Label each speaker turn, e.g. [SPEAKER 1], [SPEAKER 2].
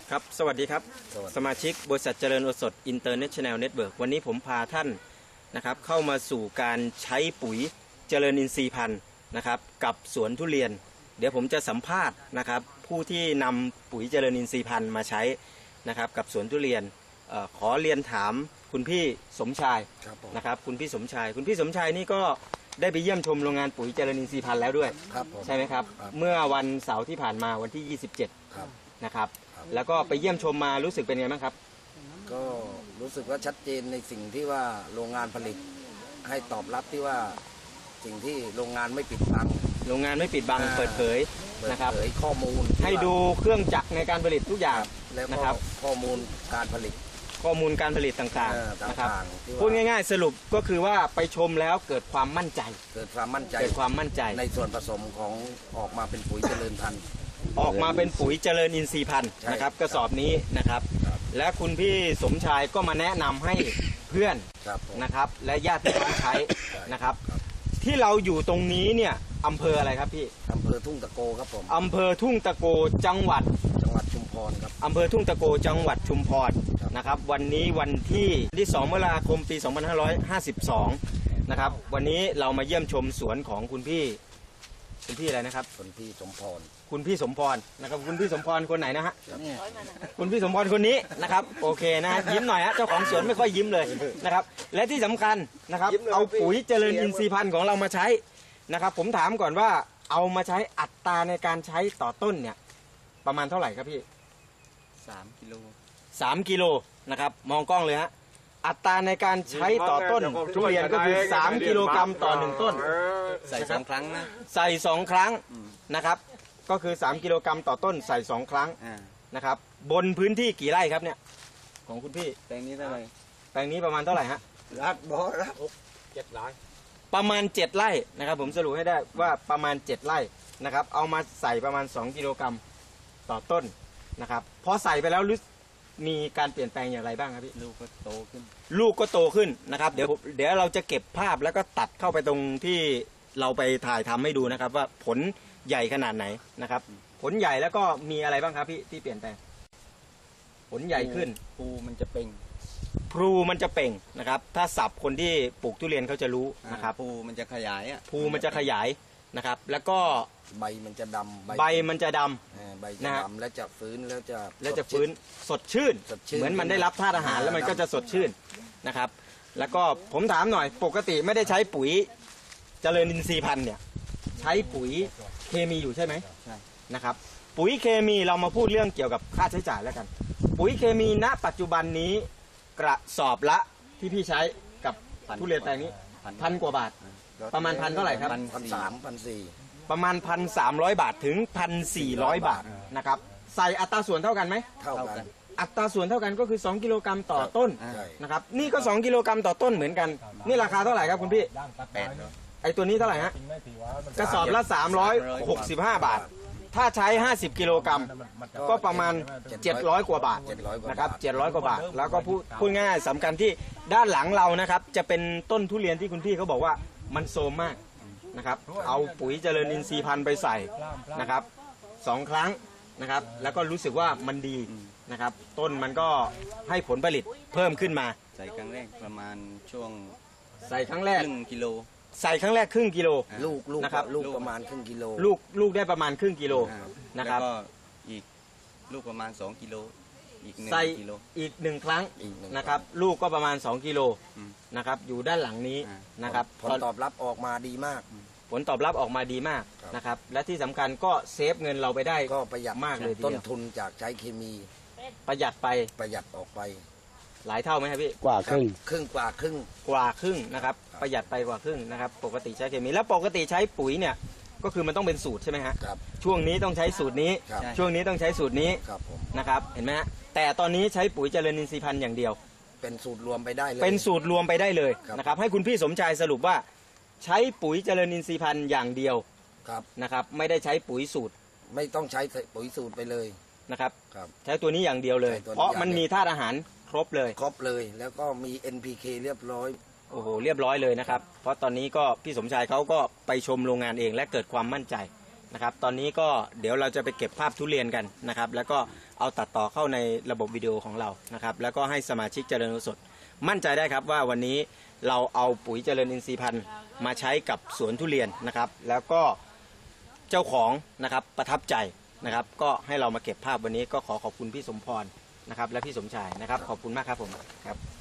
[SPEAKER 1] ครับสวัสดีครับสมาชิกบริษัทเจริญโอสถอินเตอร์เนชั่นแนลเน็ตเวิร์กวันนี้ผมพาท่านนะครับเข้ามาสู่การใช้ปุ๋ยเจริญอินทรีย์พันธุ์นะครับกับสวนทุเรียนเดี๋ยวผมจะสัมภาษณ์นะครับผู้ที่นำปุ๋ยเจริญอินทรีย์พันธุ์มาใช้นะครับกับสวนทุเรียนขอเรียนถามคุณพี่สมชายนะครับคุณพี่สมชายนี่ก็ได้ไปเยี่ยมชมโรงงานปุ๋ยเจริญอินทรีย์พันธุ์แล้วด้วยใช่ไหมครับเมื่อวันเสาร์ที่ผ่านมาวันที่ 27นะครับแล้วก็ไปเยี่ยมชมมารู้สึกเป็นไงบ้างครับ
[SPEAKER 2] ก็รู้สึกว่าชัดเจนในสิ่งที่ว่าโรงงานผลิตให้ตอบรับที่ว่าสิ่งที่โรงงานไม่ปิดบัง
[SPEAKER 1] โรงงานไม่ปิดบังเปิดเผยนะครับ
[SPEAKER 2] ข้อมูล
[SPEAKER 1] ให้ดูเครื่องจักรในการผลิตทุกอย่างนะครับ
[SPEAKER 2] ข้อมูลการผลิต
[SPEAKER 1] ต่างๆนะครับพูดง่ายๆสรุปก็คือว่าไปชมแล้วเกิดความมั่นใจ
[SPEAKER 2] ในส่วนผสมของออกมาเป็นปุ๋ยเจริญพันธุ์
[SPEAKER 1] ออกมาเป็นปุ๋ยเจริญอินทรีย์พันธุ์นะครับกระสอบนี้นะครับและคุณพี่สมชายก็มาแนะนำให้เพื่อนนะครับและญาติพี่น้องใช้นะครับที่เราอยู่ตรงนี้เนี่ยอำเภออะไรครับพี่
[SPEAKER 2] อำเภอทุ่งตะโกครับผม
[SPEAKER 1] อำเภอทุ่งตะโกจังหวัด
[SPEAKER 2] ชุมพรครับ
[SPEAKER 1] อำเภอทุ่งตะโกจังหวัดชุมพรนะครับวันนี้วันที่2 มกราคมปี 2552นะครับวันนี้เรามาเยี่ยมชมสวนของคุณพี่อะไรนะครับ
[SPEAKER 2] คุณพี่สมพร
[SPEAKER 1] นะครับคุณพี่สมพรคนไหนนะฮะคุณพี่สมพรคนนี้นะครับโอเคนะยิ้มหน่อยฮะเจ้าของสวนไม่ค่อยยิ้มเลยนะครับและที่สำคัญนะครับเอาปุ๋ยเจริญอินทรีย์พันธุ์ของเรามาใช้นะครับผมถามก่อนว่าเอามาใช้อัตราในการใช้ต่อต้นเนี่ยประมาณเท่าไหร่ครับพี่3 กิโลนะครับมองกล้องเลยฮะอัตราในการใช้ต่อต้นทุเรียนก็คือ3 กิโลกรัมต่อ1ต้น
[SPEAKER 3] ใส่2 ครั้งนะ
[SPEAKER 1] ใส่2 ครั้งนะครับก็คือ3 กิโลกรัมต่อต้นใส่2 ครั้งนะครับบนพื้นที่กี่ไร่ครับเนี่ยของคุณพี่
[SPEAKER 3] แปลงนี้เท่าไหร่
[SPEAKER 1] แปลงนี้ประมาณเท่าไหร่ฮะ
[SPEAKER 2] 7 ไร่
[SPEAKER 1] ประมาณ7 ไร่นะครับผมสรุปให้ได้ว่าประมาณ7 ไร่นะครับเอามาใส่ประมาณ2 กิโลกรัมต่อต้นนะครับพอใส่ไปแล้วมีการเปลี่ยนแปลงอย่างไรบ้างครับพี่
[SPEAKER 3] ลูกก็โต
[SPEAKER 1] ขึ้นนะครับเดี๋ยวเราจะเก็บภาพแล้วก็ตัดเข้าไปตรงที่เราไปถ่ายทำให้ดูนะครับว่าผลใหญ่ขนาดไหนนะครับผลใหญ่แล้วก็มีอะไรบ้างครับพี่ที่เปลี่ยนแปลงผลใหญ่ขึ้น
[SPEAKER 3] ภูมันจะเป่
[SPEAKER 1] งนะครับถ้าศัพท์คนที่ปลูกทุเรียนเขาจะรู้นะครับ
[SPEAKER 3] ภูมันจะขยาย
[SPEAKER 1] นะครับแล้วก็
[SPEAKER 2] ใบมันจะดำ
[SPEAKER 1] แล้ว
[SPEAKER 2] จะฟื้น
[SPEAKER 1] สดชื่นเหมือนมันได้รับธาตุอาหารแล้วมันก็จะสดชื่นนะครับแล้วก็ผมถามหน่อยปกติไม่ได้ใช้ปุ๋ยเจริญอินทรีย์พันธุ์เนี่ยใช้ปุ๋ยเคมีอยู่ใช่ไหม
[SPEAKER 3] ใช่
[SPEAKER 1] นะครับปุ๋ยเคมีเรามาพูดเรื่องเกี่ยวกับค่าใช้จ่ายแล้วกันปุ๋ยเคมีณปัจจุบันนี้กระสอบละที่พี่ใช้กับทุเรียนแปลงนี้1,000 กว่าบาทประมาณ1,000 เท่าไหร่ครับ
[SPEAKER 2] 1,300
[SPEAKER 1] ประมาณ 1,300 บาทถึง 1,400 บาทนะครับใส่อัตราส่วนเท่ากันไหม
[SPEAKER 2] เท่ากัน
[SPEAKER 1] อัตราส่วนเท่ากันก็คือ2 กิโลกรัมต่อต้นนะครับนี่ก็2 กิโลกรัมต่อต้นเหมือนกันนี่ราคาเท่าไหร่ครับคุณพี่ไอตัวนี้เท่าไหร่ฮะกระสอบละ365 บาทถ้าใช้50 กิโลกรัมก็ประมาณ700 กว่าบาทนะครับ700 กว่าบาทแล้วก็พูดง่ายๆสำคัญที่ด้านหลังเรานะครับจะเป็นต้นทุเรียนที่คุณพี่เขาบอกว่ามันโทรมมากนะครับเอาปุ๋ยเจริญอินทรีย์พันธุ์ไปใส่นะครับ2 ครั้งนะครับแล้วก็รู้สึกว่ามันดีนะครับต้นมันก็ให้ผลผลิตเพิ่มขึ้นมา
[SPEAKER 3] ใส่ครั้งแรกประมาณช่วง
[SPEAKER 1] ใส่ครั้งแรก
[SPEAKER 3] ครึ่งกิโล
[SPEAKER 1] ใส่ครั้งแรกครึ่งกิโล
[SPEAKER 2] ลูก
[SPEAKER 1] นะครับ
[SPEAKER 2] ลูกประมาณครึ่งกิโล
[SPEAKER 1] ลูกได้ประมาณครึ่งกิโลนะครับ
[SPEAKER 3] แล้วก็อีกลูกประมาณ2 กิโลอีก1 กิโล
[SPEAKER 1] อีก1 ครั้งนะครับลูกก็ประมาณ2 กิโลนะครับอยู่ด้านหลังนี้นะครับ
[SPEAKER 2] ผลตอบรับออกมาดีมาก
[SPEAKER 1] นะครับและที่สำคัญก็เซฟเงินเราไปได้
[SPEAKER 2] ก็ประหยัด
[SPEAKER 1] มากเลย
[SPEAKER 2] ต้นทุนจากใช้เคมี
[SPEAKER 1] ประหยัด
[SPEAKER 2] ออกไป
[SPEAKER 1] หลายเท่าไหมครับพี่
[SPEAKER 2] กว่าครึ่ง
[SPEAKER 1] นะครับประหยัดไปกว่าครึ่งนะครับปกติใช้เคมีแล้วปกติใช้ปุ๋ยเนี่ยก็คือมันต้องเป็นสูตรใช่ไหมฮะช่วงนี้ต้องใช้สูตรนี้ช่วงนี้ต้องใช้สูตรนี้นะครับเห็นไหมฮะแต่ตอนนี้ใช้ปุ๋ยเจริญอินทรีย์พันธุ์อย่างเดียว
[SPEAKER 2] เป็นสูตรรวมไปได้
[SPEAKER 1] เลยนะครับให้คุณพี่สมชายสรุปว่าใช้ปุ๋ยเจริญอินทรีย์พันธุ์อย่างเดียวนะครับไม่ได้ใช้ปุ๋ยสูตร
[SPEAKER 2] ไม่ต้องใช้ปุ๋ยสูตรไปเลย
[SPEAKER 1] นะครับใช้ตัวนี้อย่างเดียวเลยเพราะมันมีธาตุอาหารครบเลย
[SPEAKER 2] แล้วก็มี NPK เรียบร้อย
[SPEAKER 1] โอ้โหเรียบร้อยเลยนะครับเพราะตอนนี้ก็พี่สมชายเขาก็ไปชมโรงงานเองและเกิดความมั่นใจนะครับตอนนี้ก็เดี๋ยวเราจะไปเก็บภาพทุเรียนกันนะครับแล้วก็เอาตัดต่อเข้าในระบบวิดีโอของเรานะครับแล้วก็ให้สมาชิกเจริญโอสถมั่นใจได้ครับว่าวันนี้เราเอาปุ๋ยเจริญอินทรีย์พันธุ์มาใช้กับสวนทุเรียนนะครับแล้วก็เจ้าของนะครับประทับใจนะครับก็ให้เรามาเก็บภาพวันนี้ก็ขอบคุณพี่สมพรนะครับและพี่สมชายนะครับขอบคุณมากครับผมครับ